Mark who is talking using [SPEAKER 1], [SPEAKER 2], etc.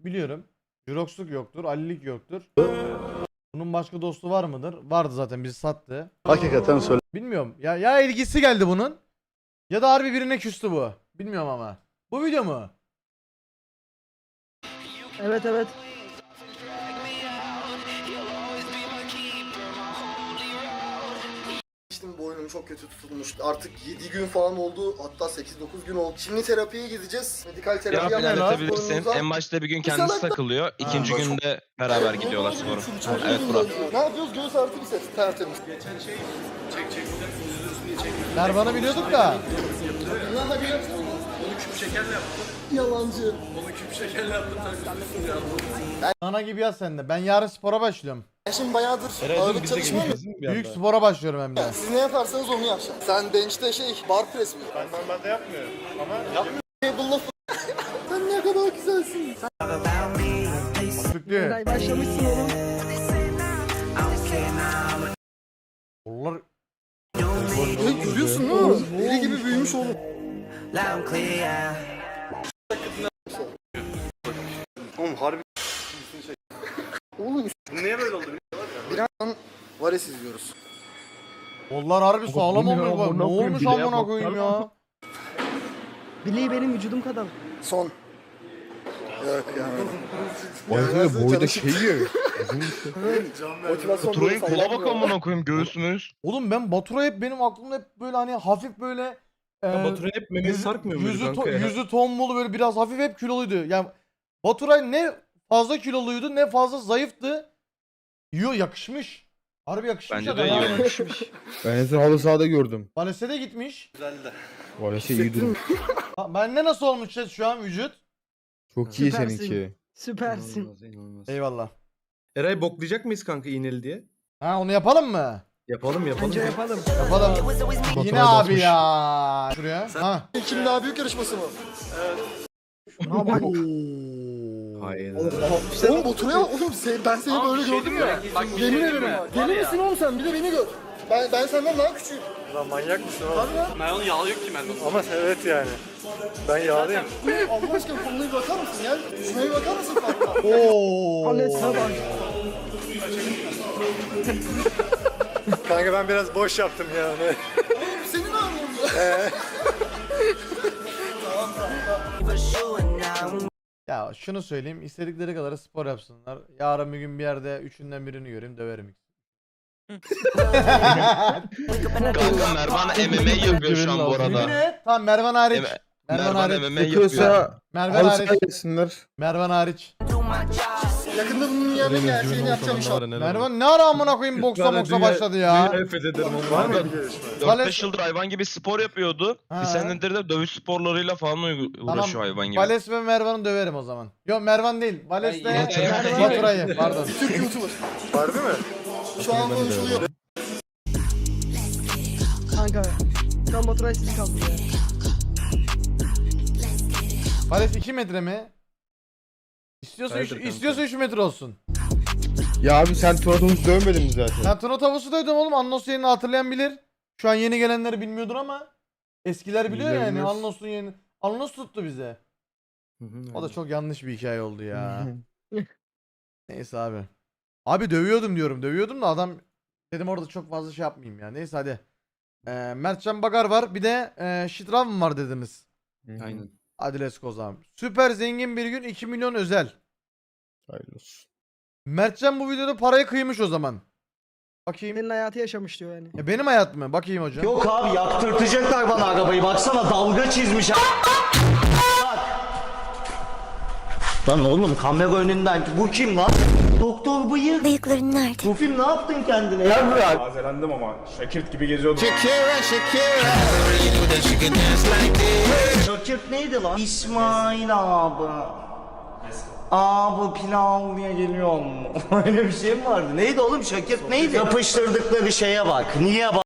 [SPEAKER 1] biliyorum. Jurox'luk yoktur, Ali'lik yoktur. Bunun başka dostu var mıdır? Vardı zaten, bizi sattı.
[SPEAKER 2] Hakikaten söyle.
[SPEAKER 1] Bilmiyorum. Ya ilgisi geldi bunun. Ya da harbi birine küstü bu. Bilmiyorum ama. Bu video mu?
[SPEAKER 3] Evet evet.
[SPEAKER 4] İşte boynum çok kötü tutulmuş. Artık 7 gün falan oldu. Hatta 8-9 gün oldu. Şimdi terapiye gideceğiz. Medikal terapi
[SPEAKER 5] Cevap
[SPEAKER 4] yapacağız.
[SPEAKER 5] ilerletebilirsin.
[SPEAKER 4] Boynumuza.
[SPEAKER 5] En başta bir gün kendisi
[SPEAKER 4] salak da-
[SPEAKER 5] takılıyor. İkinci
[SPEAKER 4] Ha.
[SPEAKER 5] günde beraber gidiyorlar spora.
[SPEAKER 4] Çok
[SPEAKER 5] Evet
[SPEAKER 4] uzun
[SPEAKER 5] Burak.
[SPEAKER 4] döndü. Ne yapıyoruz? Göğüs artı bir ses. Tertemiz.
[SPEAKER 1] Mervan'ı biliyorduk da.
[SPEAKER 4] Lan hadi yapsana. Onu küp şekerle yaptım. Yalancı.
[SPEAKER 1] Ana gibi yaz sen de. Ben yarın spora başlıyorum.
[SPEAKER 4] Ben şimdi bayağıdır ağırlık çalışmıyorum ya.
[SPEAKER 1] Büyük spora başlıyorum hem de.
[SPEAKER 4] Siz ne yaparsanız onu yapacağım. Sen bench'te bar press mi?
[SPEAKER 6] Ben normalde yapmıyorum ama yapmıyorum.
[SPEAKER 4] Table'la Sen ne kadar güzelsin.
[SPEAKER 1] Sütlü.
[SPEAKER 3] Eray başlamışsın oğlum.
[SPEAKER 1] Onlar
[SPEAKER 4] Görüyorsun değil mi? Deli gibi büyümüş oğlum.
[SPEAKER 6] Oğlum harbi
[SPEAKER 4] Oğlum
[SPEAKER 6] bu niye böyle oldu?
[SPEAKER 4] birazdan Vares izliyoruz.
[SPEAKER 1] onlar harbi sağlam olmuş bak. Ne olmuş amına koyayım ya?
[SPEAKER 3] Bileği benim vücudum kadar.
[SPEAKER 4] Son. Yok ya.
[SPEAKER 2] boyda şey yiyor.
[SPEAKER 4] Motivasyon
[SPEAKER 5] Turay'ın
[SPEAKER 4] böyle
[SPEAKER 5] kola bak
[SPEAKER 4] sallamıyor.
[SPEAKER 5] amına koyayım göğsümüz.
[SPEAKER 1] Oğlum ben Batura hep benim aklımda hep böyle hani hafif böyle
[SPEAKER 7] Baturay'ın hep memesi sarkmıyor muydu kanka ya?
[SPEAKER 1] yüzü tombul böyle biraz hafif hep kiloluydu. Yani Baturay ne fazla kiloluydu ne fazla zayıftı. Yo yakışmış. Harbi yakışmış
[SPEAKER 5] Bence de
[SPEAKER 1] adam.
[SPEAKER 5] iyi olmuş.
[SPEAKER 2] Ben en son halı sahada gördüm.
[SPEAKER 1] Valese de gitmiş.
[SPEAKER 2] Valese iyi durum.
[SPEAKER 1] Bende nasıl olmuş şu an vücut?
[SPEAKER 2] Çok iyi
[SPEAKER 3] Süpersin.
[SPEAKER 2] seninki.
[SPEAKER 3] Süpersin.
[SPEAKER 1] Eyvallah.
[SPEAKER 7] Eray boklayacak mıyız kanka iğneli diye?
[SPEAKER 1] Ha onu yapalım mı?
[SPEAKER 7] Yapalım yapalım.
[SPEAKER 3] Bence yapalım.
[SPEAKER 1] Yapalım. Yine abi ya. Şuraya. Ha.
[SPEAKER 4] Kim daha büyük yarışması mı?
[SPEAKER 7] Hayır.
[SPEAKER 4] Oğlum Baturay'a bak oğlum ben seni böyle gördüm ya. Yemin ederim ha. Deli misin oğlum sen? Bir de beni gör. Ben senden daha küçüğüm.
[SPEAKER 6] Lan manyak mısın oğlum? Ben onu yağlı yok ki bende. Ama evet yani. Ben yağlıyım.
[SPEAKER 4] Allah aşkına koluna bir bakar mısın ya? Şuna bir bakar mısın Fatma?
[SPEAKER 1] Oo.
[SPEAKER 3] Ales'e bak.
[SPEAKER 6] Kanka ben biraz boş yaptım ya onu.
[SPEAKER 4] Senin ağrın
[SPEAKER 1] Ya şunu söyleyeyim. İstedikleri kadar spor yapsınlar. Yarın bir gün bir yerde üçünden birini göreyim döverim.
[SPEAKER 5] Kanka Mervan MMA yapıyor şu an bu arada.
[SPEAKER 1] Yemin et. Tamam Mervan hariç. Mervan
[SPEAKER 5] Mervan
[SPEAKER 1] hariç.
[SPEAKER 5] MMA yapıyor.
[SPEAKER 2] Yapıyorsa
[SPEAKER 1] Mervan
[SPEAKER 2] halı
[SPEAKER 1] hariç.
[SPEAKER 2] sahaya gelsinler.
[SPEAKER 1] Mervan hariç.
[SPEAKER 4] Yakında bunun yerine gerçeğini yapacağım inşallah.
[SPEAKER 1] Mervan ne ara amına koyayım boksa başladı ya.
[SPEAKER 7] Dünyayı fethederim onu.
[SPEAKER 6] Var mı bir gelişme?
[SPEAKER 5] 4-5 yıldır hayvan gibi spor yapıyordu.
[SPEAKER 1] Ha.
[SPEAKER 5] Bir senedir de dövüş sporlarıyla falan uğraşıyor hayvan gibi.
[SPEAKER 1] Vales ve Mervan'ı döverim o zaman. Yok Mervan değil. Vales de Baturay'ı. Pardon.
[SPEAKER 4] Türk YouTuber.
[SPEAKER 6] Harbi mi?
[SPEAKER 4] Şu an konuşuluyor.
[SPEAKER 3] Kanka. Şu an Baturay sizi kaldı ya.
[SPEAKER 1] Vales 2 metre mi? İstiyorsa
[SPEAKER 7] Hayırdır kanka?
[SPEAKER 1] 3 metre olsun.
[SPEAKER 2] Ya abi sen Turat'ımızı dövmedin mi zaten?
[SPEAKER 1] Ben Tuna Tavus'u duydum oğlum. Annos yerini hatırlayan bilir. Şu an yeni gelenleri bilmiyordur ama eskiler biliyor
[SPEAKER 2] Bizler
[SPEAKER 1] yani.
[SPEAKER 2] biliyoruz.
[SPEAKER 1] Annos'un yerini. Annos tuttu bize. O da çok yanlış bir hikaye oldu ya. Neyse abi. Abi dövüyordum diyorum. Dövüyordum da adam dedim orada çok fazla şey yapmayayım ya. Neyse hadi. Mertcan Bagar var. Bir de Şitrav var dediniz.
[SPEAKER 7] Aynen.
[SPEAKER 1] Hadi let's go zaman. Süper zengin bir gün 2 milyon özel.
[SPEAKER 2] Hayırlı olsun.
[SPEAKER 1] Mertcan bu videoda parayı kıymış o zaman. Bakayım.
[SPEAKER 3] Senin hayatı yaşamış diyor yani.
[SPEAKER 1] Benim hayat mı? Bakayım hocam.
[SPEAKER 8] Yok abi yaptırtacaklar bana arabayı. Baksana dalga çizmiş. Lan oğlum kamera önünden bu kim lan? Doktor bıyık.
[SPEAKER 9] Bıyıkların nerede?
[SPEAKER 8] Bu film ne yaptın kendine ya bırak.
[SPEAKER 6] Tazelendim ama Şakirt gibi geziyordum.
[SPEAKER 8] Şakirt neydi lan? İsmail abi. Abi pilavlıya geliyor mu? Öyle bir şey mi vardı? Neydi oğlum Şakirt neydi? Yapıştırdıkları şeye bak. Niye bak?